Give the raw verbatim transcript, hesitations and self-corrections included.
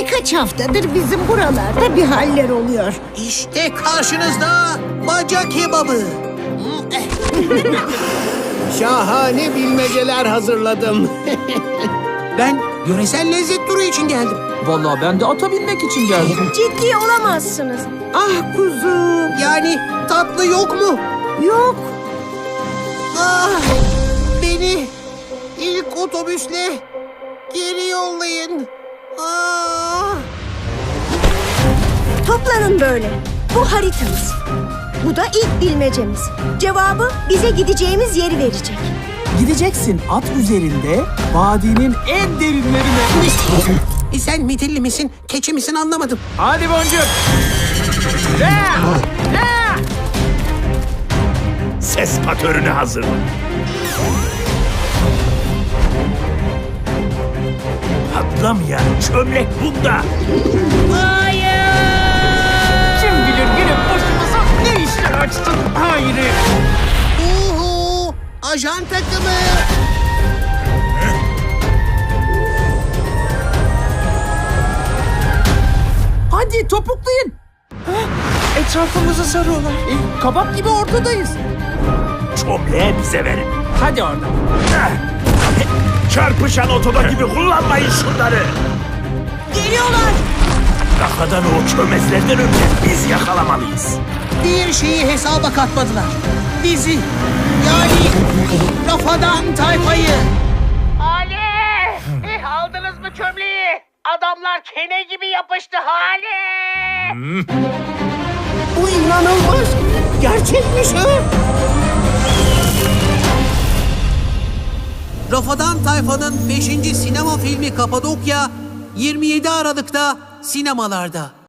Birkaç haftadır bizim buralarda bir haller oluyor. İşte karşınızda baca kebabı. Şahane bilmeceler hazırladım. Ben yöresel lezzet turu için geldim. Vallahi ben de ata binmek için geldim. Ciddi olamazsınız. Ah kuzum. Yani tatlı yok mu? Yok. Ah, beni ilk otobüsle geri yollayın. Ah. Toplanın böyle. Bu haritamız. Bu da ilk bilmecemiz. Cevabı bize gideceğimiz yeri verecek. Gideceksin at üzerinde vadinin en derinlerine. E sen midilli misin, keçi misin anlamadım. Hadi boncuk. Ya! Ya! Ses patörünü hazırla. Patlamayan çömlek bunda. Kim bilir gelip başımıza ne işler açtın Hayri. Uhu, ajan takımı. Hadi topuklayın. Hah, etrafımızı sarıyorlar. E, kabak gibi ortadayız. Çömleği bize verin. Hadi oradan. Heh. Çarpışan otoda gibi kullanmayın şunları. Geliyorlar. Kafadan o çömezlerden önce biz yakalamalıyız. Bir şeyi hesaba katmadılar. Bizi, yani Rafadan tayfayı. Ali! Eh, aldınız mı çömleği? Adamlar kene gibi yapıştı Hali! Bu inanılmaz. Gerçekmiş ha. Rafadan Tayfa'nın beşinci sinema filmi Kapadokya yirmi yedi Aralık'ta sinemalarda.